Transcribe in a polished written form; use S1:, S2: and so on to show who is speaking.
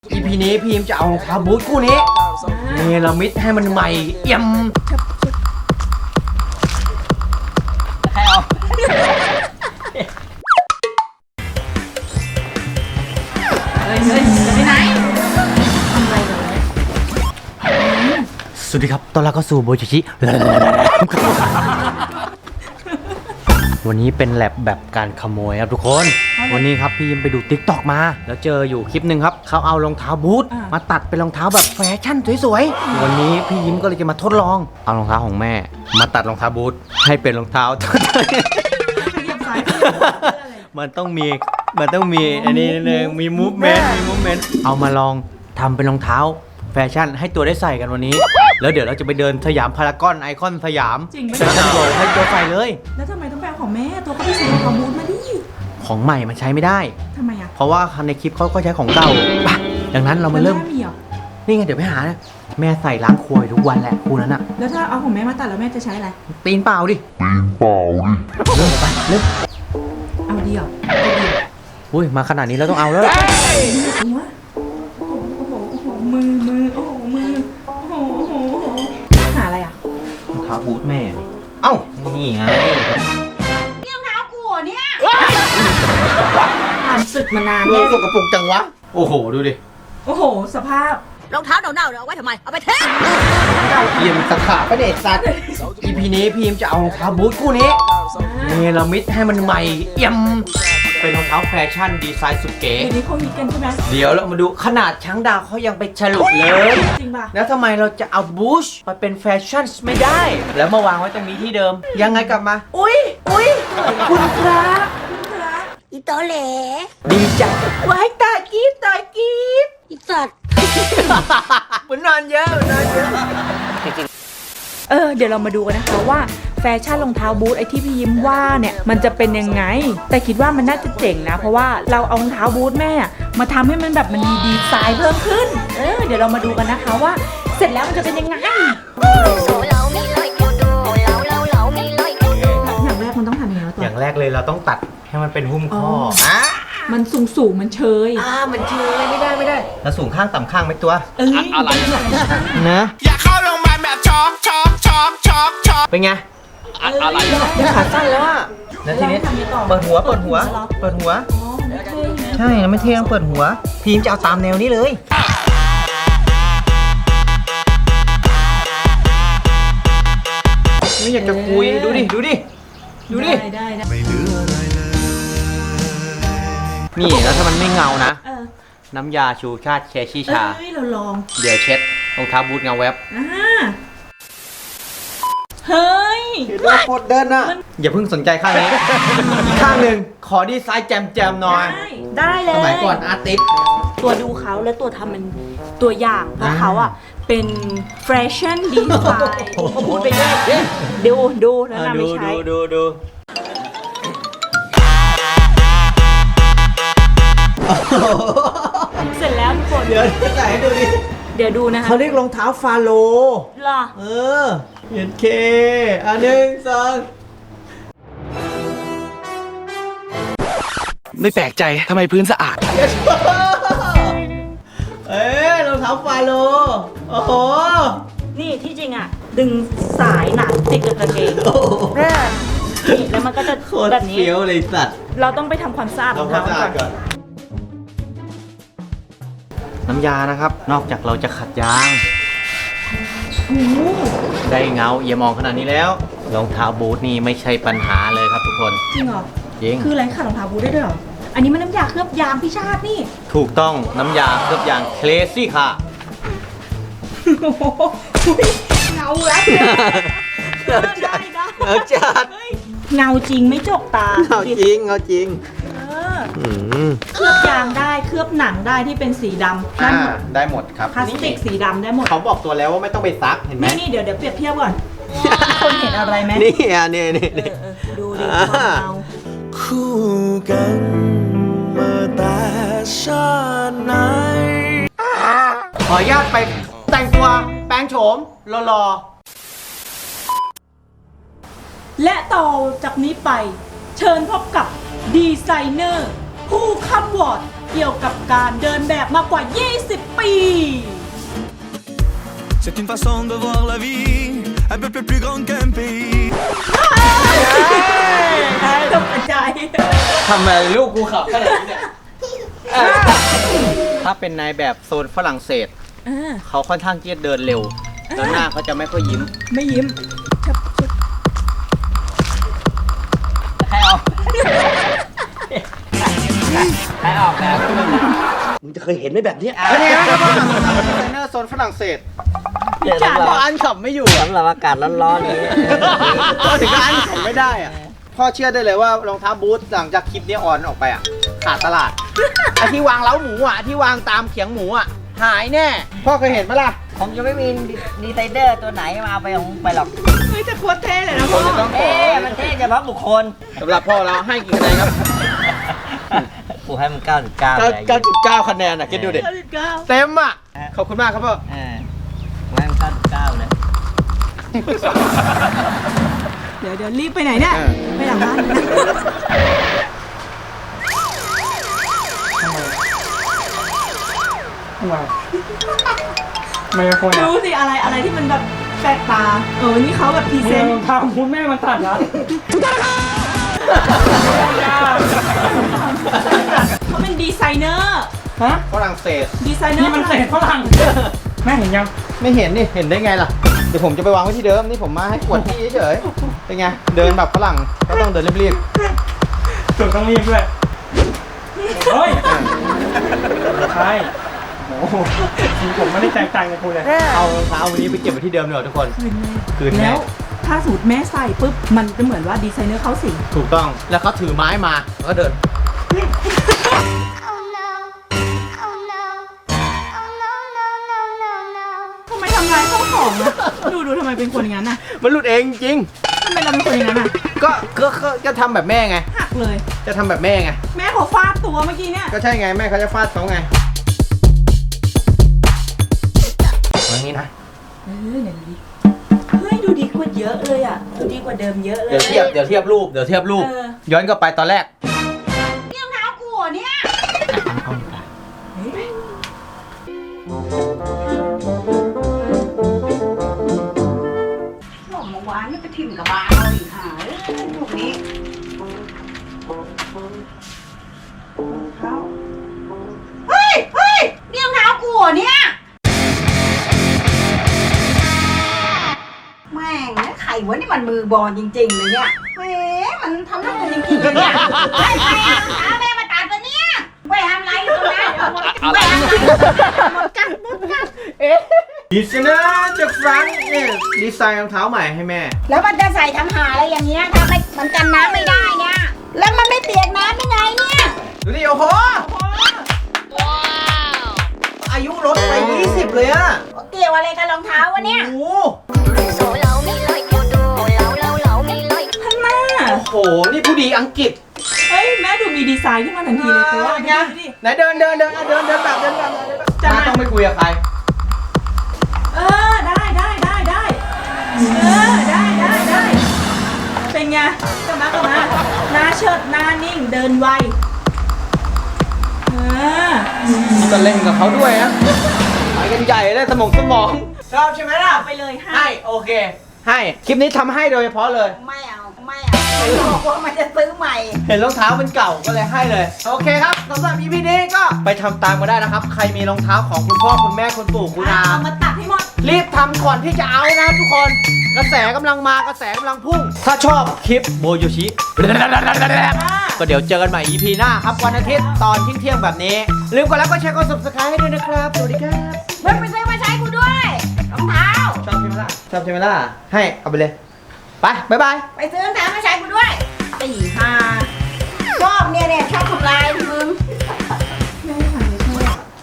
S1: EP นี้พีมจะเอารองเท้าบูทคู่นี้เนรมิตให้มันใหม่เอี่ยมใครเอา
S2: จะไปไหน
S1: สวัสดีครับตอนแรกก็สู่โบชิชิวันนี้เป็นแลบแบบการขโมยครับทุกคนวันนี้ครับพี่ยิมไปดู TikTok มาแล้วเจออยู่คลิปหนึ่งครับเขาเอารองเท้าบูทมาตัดเป็นรองเท้าแบบแฟชั่นสวยๆวันนี้พี่ยิมก็เลยจะมาทดลองเอารองเท้าของแม่มาตัดรองเท้าบูทให้เป็นรองเท้ามันต้องมีอันนี้นึงมีมูฟเมนต์เอามาลองทำเป็นรองเท้าแฟชั่นให้ตัวได้ใส่กันวันนี้แล้วเดี๋ยวเราจะไปเดินสยามพารากอนไอคอนสยามแล้วจะโหลให้ตัวใส่เลย
S2: แล้วทำไมต้องแปลของแม่ตัวก็ไปซื้อของบูธมาดิ
S1: ของใหม่มันใช้ไม่ได้
S2: ทำไมอ่ะ
S1: เพราะว่าในคลิปเขาก็ใช้ของเก่าดังนั้นเรามาเริ่มนี่ไงเดี๋ยวไปหานะแม่ใส่ล้างครัวทุกวันแหละคู่นั้นอะ
S2: แล้วถ้าเอาของแม่มาตัดแล้วแม่จะใช้อะไร
S1: ตีนเปล่าดิเริ่มไปเริ่ม
S2: เอาดีเหรอ
S1: อุ้ยมาขนาดนี้เราต้องเอาแล้ว
S2: มือโอ้โหมือโอ้โหหาอะไรอ่ะ
S1: รองเท้าบูทแม่เอ้านี่ไง
S2: รองเท้ากูเนี่ยผ่านศึกมานาน
S1: เลยสกปรกจังวะโอ้โหดูดิ
S2: โอ้โหสภาพ
S3: รองเท้าเน่าๆเอาไว้ทำไมเอาไปเท
S1: พีมตะขาบไปเด็ดสัตว์ EP นี้พีมจะเอารองเท้าบูทคู่นี้เนรมิตให้มันใหม่เอี่ยมเป็นรองเท้าแฟชั่นดีไซน์สุดเก๋
S2: เดี๋ยวนี้เขาฮิตกันใช่ไหม
S1: เดี๋ยวเรามาดูขนาดช้างดาวเขายังไปฉลุเลย
S2: จริงป่ะ
S1: แล้วทำไมเราจะเอาบูชไปเป็นแฟชั่นไม่ได้แล้วมาวางไว้ตรงนี้ที่เดิมยังไงกลับมาอุ้ยคุณพระ
S3: อีโตเหล
S1: ดีจังไว้ตายกีด
S3: อีสัตว์
S1: มันนอนเยอะ
S2: เดี๋ยวเรามาดูกันนะคะว่าแฟชั่นรองเท้าบูทไอที่พี่ยิ้มว่าเนี่ยมันจะเป็นยังไงแต่คิดว่ามันน่าจะเจ๋งนะเพราะว่าเราเอารองเท้าบูทแม่มาทำให้มันแบบมันมีดีไซน์เพิ่มขึ้นเดี๋ยวเรามาดูกันนะคะว่าเสร็จแล้วมันจะเป็นยังไงอย่างแรกมันต้องทำยังไงตัว
S1: อย่างแรกเลยเราต้องตัดให้มันเป็นหุ้มข้อ
S2: มันสูงมันเชย
S1: มันเชยไม่ได้แล้วสูงข้างต่ำข้างไหมตัวอะไรนะ
S4: อย่าเข้าโรงพยาบาลแบบช็อก
S1: เป็นไงอะไรขาสั้นแล้วอ่ะแล้วทีนี้เปิดหัวใช่ไม่เท่ต้องเปิดหัวพีมจะเอาตามแนวนี้เลยไม่อยากจะคุยดูดิ
S2: ได้
S4: ไม่เหลืออะไรเลย
S1: นี่แล้วถ้ามันไม่เงานะน้ำยาชูชาติแคชี่ชา
S2: เราลอง
S1: เดี๋ยวเช็ดรองเท้าบูทเงาแวบ
S2: เฮ้ย
S1: เราโคตรเดินนะอย่าเพิ่งสนใจข้างนี้อีกข้างหนึ่งขอดีไซน์แจมหน่อย
S2: ได้เลย
S1: สมัยก่อนอาร์ติส
S2: ตัวดูเขาและตัวทำเป็นตัวอย่างเพราะเขาเป็นแฟชั่นดีไซน์พูดไปเลยดูแล้วนำไปใช้
S1: ดู
S2: เสร็จแล้วทุกคน
S1: เดี๋ยวใส่ให้ดูดิ
S2: เดี๋ยวดูนะคะ
S1: เขาเรียกรองเท้าฟาโล
S2: หรอ
S1: เห็นเค1 2
S4: ไม่แปลกใจทำไมพื้นสะอาด
S1: รองเท้าฟาโลโอ้โห
S2: นี่ที่จริงดึงสายหนังติดกับกางเกงนี่แล้วมันก็จะแบบนี้
S1: เฟี้ยวเลยสัตว์
S2: เราต้องไปทำความสะอาดรองเท้าก่อน
S1: น้ำยานะครับนอกจากเราจะขัดยางได้เงาเอี่ยมองขนาดนี้แล้วรองเท้าบูทนี่ไม่ใช่ปัญหาเลยครับทุกคน
S2: จริงเหรอ
S1: จริง
S2: คืออะไรขัดรองเท้าบูทได้ด้วยเหรออันนี้มันน้ำยาเคลือบยางพี่ชาตินี่
S1: ถูกต้องน้ำยาเคลือบยางเคลซี่ค่ะ
S2: เงาแล้วได้เงาจริงไม่จกตา
S1: เงาจริง
S2: เคลือบยางได้เคลือบหนังได้ที่เป็นสีดำ
S1: ได้หมดครับ
S2: พลาสติกสีดำได้หมด
S1: เขาบอกตัวแล้วว่าไม่ต้องไปซักเห็นไหม
S2: นี่เดี๋ยวเปรียบเทียบก่อนคนเห็นอะไรไหม
S1: นี่
S2: ดูดิเงา
S4: คู่กันมาแต่ชาติไหน
S1: ขออนุญาตไปแต่งตัวแปลงโฉมรอ
S2: และต่อจากนี้ไปเชิญพบกับดีไซเนอร์ผู้ค้ำวอร์ดเกี่ยวกับการเดินแบบมากกว่า 20 ปี
S4: C'est une façon de voir la vie, un peu plus grande qu'un pays.
S2: ตกใจ
S1: ทำไมลูกกูขับขนาดนี้เนี่ยถ้าเป็นนายแบบโซนฝรั่งเศส เขาค่อนข้างที่จะเดินเร็วแล้วหน้าเขาจะไม่ค่อยยิ้ม
S2: ไม่ยิ้ม
S1: ใครออกใครออกแบบมึงจะเคยเห็นไหมแบบนี้เป็นไงครับเทรนเนอร์โซนฝรั่งเศสพออันขับไม่อยู่สำหรับอากาศร้อนๆนี้พอถึงอันขับไม่ได้อะพ่อเชื่อได้เลยว่ารองเท้าบูทหลังจากคลิปนี้ออนออกไปอ่ะขาดตลาดไอที่วางเล้าหมูอ่ะที่วางตามเขียงหมูอ่ะหายแน่พ่อเคยเห็นไหมล่ะ
S5: ผมจะไม่มีดีไซเนอร์ตัวไหนมาเอาไปของไปหรอก
S2: เฮ้ยจะโคตรเท่เลยนะพ่อ
S5: เอ๊ะมันเท่เฉพาะบุคคล
S1: สำหรับพ่อเราให้กี่คะแนนครับ
S5: กูให้มัน99เลย
S1: 9.9 คะแนนอ่ะคิดดูดิเต็มอ่ะขอบคุณมากครับพ่อ
S5: กูให้มัน99เลย
S2: เดี๋ยวรีบไปไหนเนี่ย ไปหลังบ้านนะดูสิอะไรที่มันแบบแปลกตา นี่เขาแบบพรีเซนต์
S6: ทำคุณแม่มันตัดนะ
S2: เขาเป็นดีไซเนอร์
S6: ฮะ
S1: ฝรั่งเศส
S2: ดีไซเนอร์
S6: นี่มันเศษฝรั่งแม่เห็นยัง
S1: ไม่เห็นนี่เห็นได้ไงล่ะเดี๋ยวผมจะไปวางไว้ที่เดิมนี่ผมมาให้กวดที่เฉยๆเป็นไงเดินแบบฝรั่งก็ต้องเดินรีบ
S6: สุดต้องรีบด้วยเฮ้ยใช่โอ้โหผมไม่ได้แตกต่างกับคุณเลย
S1: ๆเอารองเท้าวันนี้ไปเก็บไว้ที่เดิมเลยทุกคนคืนแม่
S2: แล้วถ้าสูตรแม่ใส่ปุ๊บ มันจะเหมือนว่าดีไซเนอร์เขาสิ
S1: ถูกต้องแล้วเขาถือไม้มาแล้วก็เดิน
S2: ทำไมทำร้ายข้าวของอะดูทำไมเป็นคนอย่างนั้นน่ะ
S1: มันหลุดเองจริง
S2: ทำไมเราเป็นคนอย่างนั้นน่ะ
S1: ก็จะทำแบบแม่ไง
S2: หักเลย
S1: จะทำแบบแม่ไง
S2: แม่เขาฟาดตัวเมื่อกี้เนี่ย
S1: ก็ใช่ไงแม่เขาจะฟาดเขาไงอย่างนี้นะ
S2: อย่างนี้เฮ้ยดูดีกว่าเยอะเลยอ่ะดูดีกว่าเดิมเยอะเลย
S1: เดี๋ยวเทียบรูปย้อนกลับไปตอนแรก
S3: เนี่ยเท้ากูเหรอเนี่ย หล่อมาวานนี่ไปทิ่มกับบาเราอีกหาพวกนี้เท้าเฮ้ยเนี่ยเท้ากูเหรอเนี่ยแม่งนะไข่วะนี่มันมือบอลจริงๆเลยเนี่ยแหมมันทำน้ำมันจริงๆเลยเนี่ยใครเอาเท้าแม่มาตัดปะเนี่ยไปทำไรอยู่ตรงนั้นไปทำไรหมดกัน
S1: ดีไซเนอร์จากฟรังก์เนี่ยดีไซน์รองเท้าใหม่ให้แม่
S3: แล้วมันจะใส่ทำหาอะไรอย่างเงี้ยถ้าไม่มันกันน้ำไม่ได้เนี่ยแล้วมันไม่เปียกน้ำได้ไงเนี่ย
S1: ดูดิโอ้โหอายุลดไป 20 เลยอะ
S3: เกี่ยวอะไรกับรองเท้าวะเนี่ย
S1: โอ้โห
S2: ท่านแม่
S1: โอ้โห นี่ผู้ดีอังกฤษ
S2: เฮ้ยแม่ดูมีดีไซน์ขึ้นมาทันทีเลยตัว
S1: ไงไหนเดินแบบมาต้องไปคุยกับใคร
S2: ได้เป็นไงกลับมาหน้าเชิดหน้านิ่งเดินไว
S1: ก็เล่นกับเขาด้วยนะไปกันใหญ่เลยสมองชอบใช่ไหมล่ะ
S2: ไปเลยให้
S1: ให้โอเค ให้คลิปนี้ทำให้โดยเฉพาะเลย
S3: ไม่เอาบอกว่ามันจะซื้อใหม่
S1: เห็นรองเท้ามันเก่าก็เลยให้เลย โอเคครับสำหรับ EP นี้ก็ไปทำตามกันได้นะครับ ใครมีรองเท้าของคุณพ่อคุณแม่คุณปู่คุณอา
S2: เอามาตัดให้หมด
S1: รีบทำก่อนที่จะเอานะทุกคน กระแสกำลังมากระแสกำลังพุ่ง ถ้าชอบคลิปโบโยชิ ก็เดี๋ยวเจอกันใหม่ EP หน้าครับวันอาทิตย์ตอนเที่ยงแบบนี้ ลืมกดไลค์กดแชร์กด subscribe ให้ด้วยนะครับ สวัสดีครับ
S3: เพิ่งไปซื้อมาใช้กูด้วยรองเท้า
S1: ชอบใช่ไหมล่ะ ให้เอาไปเลย ไปบ๊ายบาย
S3: ไปซื้อรองเท้ามาใช้กูด้วย